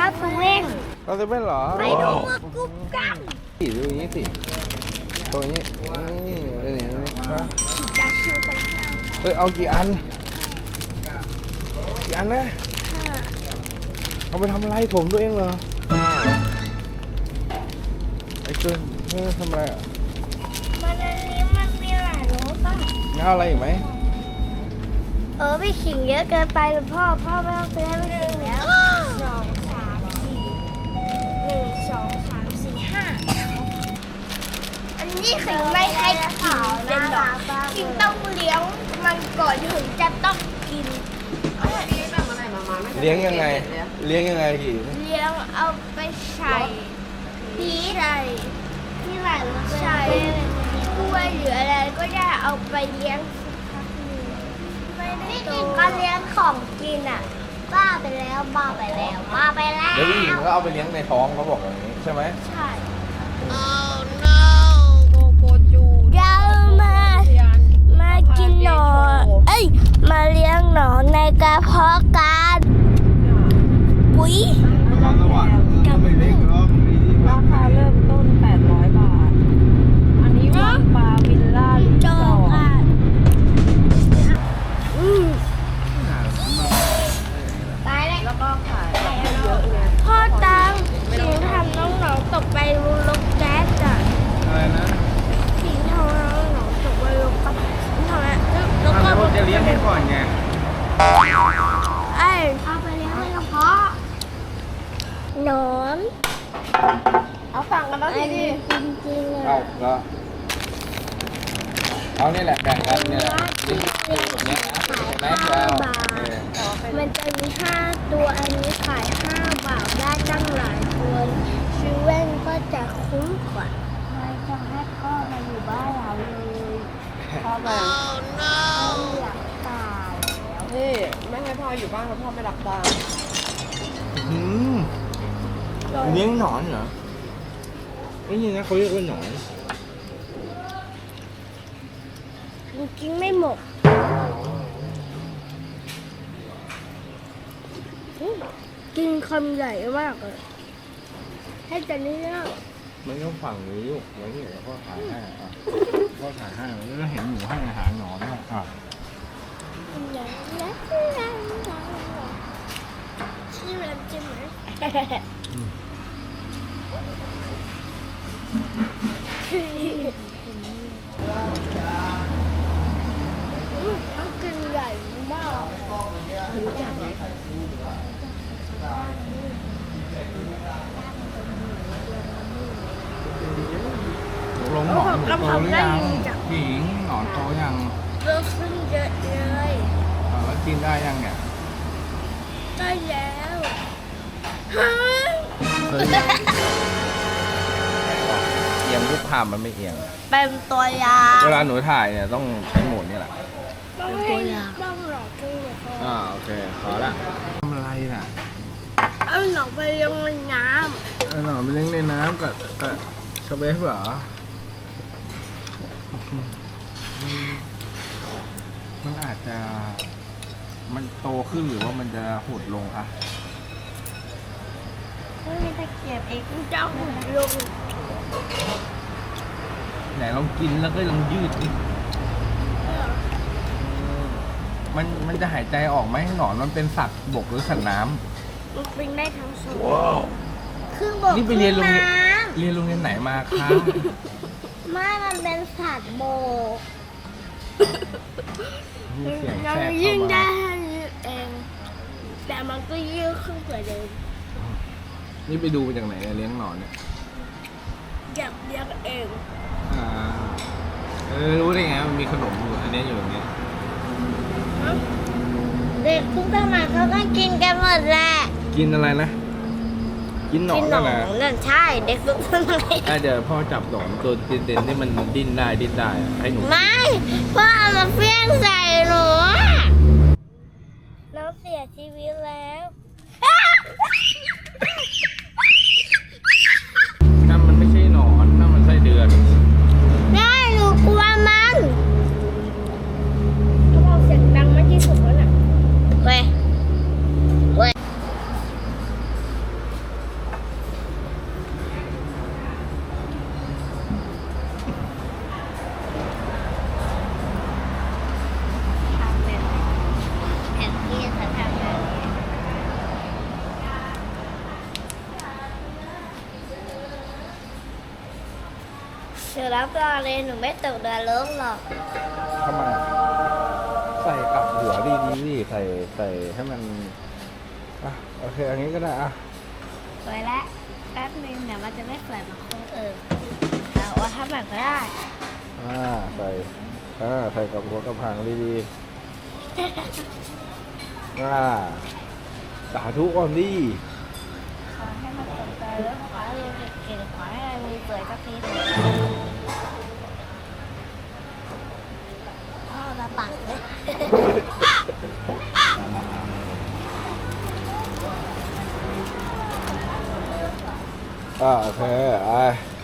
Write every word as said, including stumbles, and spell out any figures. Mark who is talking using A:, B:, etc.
A: เซเว่น
B: เราจะเป็นเหรอ
A: ไปดูมือกุ๊บกัน
B: สิดูอย่างนี้สิตัวนี้นี่เออเนี่ยนะ
A: จะชิวไปข้าว
B: เฮ้ยเอากี่อันกี่อันนะ
A: ค่ะ
B: เอาไปทำอะไรถมตัวเองเหรอไอ้เกินเฮ้ยทำอะไรอ่ะ
A: มันอันนี้มันมีหลายรสป่ะ
B: งั้นเอาอะไรอีกไหม
A: เออไม่ขิงเยอะเกินไปหรือพ่อพ่อไม่ต้องซื้อให้ไม่ขิงแล้วสองสามสี่หนึ่งสองสามสี่ห้าอันนี้ขิงไม่ให้ขิงเป็นหรอกขิงต้องเลี้ยงมันก่อนถึงจะต้องกิน
B: เลี้ยงยังไงเลี้ยงยังไงกี่
A: เลี้ยงเอาไปใส่พีใส่ที่ไหนใส่กล้วยหรืออะไรก็ได้เอาไปเลี้ยงนี่กินก็เลี้ยงของกินอ่ะบ้าไปแล้วบ้าไปแล้วบ้าไปแล้ว
B: เดี๋ยวผู้หญิงก็เอาไปเลี้ยงในท้องเขาบอกอย่างนี้ใช่ไหม
A: ใช่
C: โกโกจู
A: เรามามากินหนอนเอ้ยมาเลี้ยงหนอนในกระเพาะกันปุ๋ย
B: ความสว่างไม่เล็กหรอกมีที่พั
C: ราก คาเริ่มต้นแปดร้อยบาท อันนี้วังปลาวิลล่ารี
A: โจ
C: สอร์ท
A: ค่ะอืมตายแล้ว
C: แล้วก็ขายเยอะไง
A: พ่อตังสิงทำน้องหนองตกไปลงแก๊สอ่ะ
B: อะไรนะ
A: สิงทำน้องหนองตกไปลงกับทำไมแล้ว
B: อ้าว
A: ก็
B: แล้วจะเลี้ยงให้ก่อนไง
A: ไอ้เอาไปเลี้ยงในกระเพาะหนอน
C: เอาสั่งกันแล้วทีดิ
A: จริงๆเลย
B: เอาแล้วเอานี่แหละแบ่งกันนี่แหละนี่คือแบบนี้นะเห็นไหมแล้วเออ
A: มันจะมีห้าตัวอันนี้ขายห้าบาทได้ตั้งหลายตัวซื้อเว่นก็จะคุ้มกว่าไม่ต้องให้พ่อมาอยู่บ้านเราเลย
C: พ่อแบ่ง
A: หลักตาย
C: นี่ไม่ให้พ่ออยู่บ้านเพราะพ่อไม่รับตังค์
B: อืมเลี้ยงหนอนเหรอไม่ใช่นะเขาเรียกว่าหนอน
A: กินไม่หมดกินคำใหญ่มากเลยให้จะนี่เนาะ
B: มันต้องฝั่งนี้ลูกไว้นี่แล้วก็ถ่ายให้อ่ะก็ถ่ายให้แล้วก็เห็นหมูให้อาหารหนอนด้วยอ่ะ
A: ชื่ออะไรใช่ไหมต้องกินใหญ่มาก
C: รู้จักไหม
B: ลงหนอนหนูโตหรือยังหญิงหนอนโตยัง
A: เลิกขึ้นเยอะเลย
B: อ่ะแล้วกินได้ยังเนี่ย
A: ได้แล้วฮะ
B: เฮ้ยเอียงรูปภาพมันไม่เอียง
A: เป็นตัวยา
B: เวลาหนูถ่ายเนี่ยต้องใช้โหมดนี่แหละ
A: ต้องให้ต้องหลอกกันเลย
B: อ่าโอเคขอละทำอะไรน่ะ
A: เอาหนองไปเลี้ยงในน้
B: เอาหนอนไปเลี้ยงในน้ำกับกับสเปซเหรอมันอาจจะมันโตขึ้นหรือว่ามันจะหดลงอะ
A: ำไม่มีตะเกียบเองเจ้าหุ่นลง
B: ไหนลองกินแล้วก็ลองยืดดิมันมันจะหายใจออกไหมหนอนมันเป็นสัตว์บกหรือสัตว์น้
A: มันเป็นได้ทั้งสอง
B: ำว้าว
A: ครึ่งบก
B: นี่ไปเรียนโรงเรียน
A: คง
B: เรียนโรงเรียนไหนมาคะ
A: น้ำไม่มันเป็นสัตว์โบก
B: มีเสียง
A: ยั
B: แทรก
A: ยิ่ง
B: เข้า
A: ได้
B: มา
A: เอง แต่มันก็ยืดขึ้นกว่าเดิม
B: นี่ไปดูมาจากไหนเนี่ยเลี้ยงหนอนเนี่ย
A: อยากเลี้ยงเอง
B: อ่าเออรู้ได้ไงมันมีขนมอยู่อันนี้อยู่ตรงนี้
A: เด็กทุกสมัยเขาก็กินกันหมดแหละ
B: กินอะไรนะ กินหนอน
A: กินหน
B: นั่
A: อน
B: แหละ
A: นนั่นใช่เด็กทุกสมัย
B: อ่ะเดี๋ยวพ่อจับหนอนตัวเด่นๆที่มันดิ้นได้ดิ้นได้อะให้หนู
A: ไม่พ่อเอามาเฟี้ยงใส่หนูอะน้องเสียชีวิตแล้ว
B: นั่นมันไม่ใช่หนอนนั่นมันไส้เดือน
A: ได้หนูกลัวมันเขาบอกเสียงดังมากที่สุดแล้วน่ะเว้ยเว้ยนูรับรองเลยหนูไม่ตกเรือล้มหรอก
B: ทำไมอะใส่กลับหัวดีดีดิใส่ใส่ให้มันอ่ะโอเคอันนี้ก็ได้อ่ะ
A: สวยแล้วแป๊บนึงเดี๋ยวมันจะไม่สวยเหมือนคนอื่นแต่ว่าถ้าแบบก็ได้
B: อ่าใส่อ่าใส่กับหัวกับหางดีดีอ่าสาธุก่อนดิ
A: ขอให้มันตกเรือแล้วขอให้เรียนเก่งๆขอให้เรียนสวยสักทีเถอะพ่อมาปักเลย
B: อ่าโอเคไอ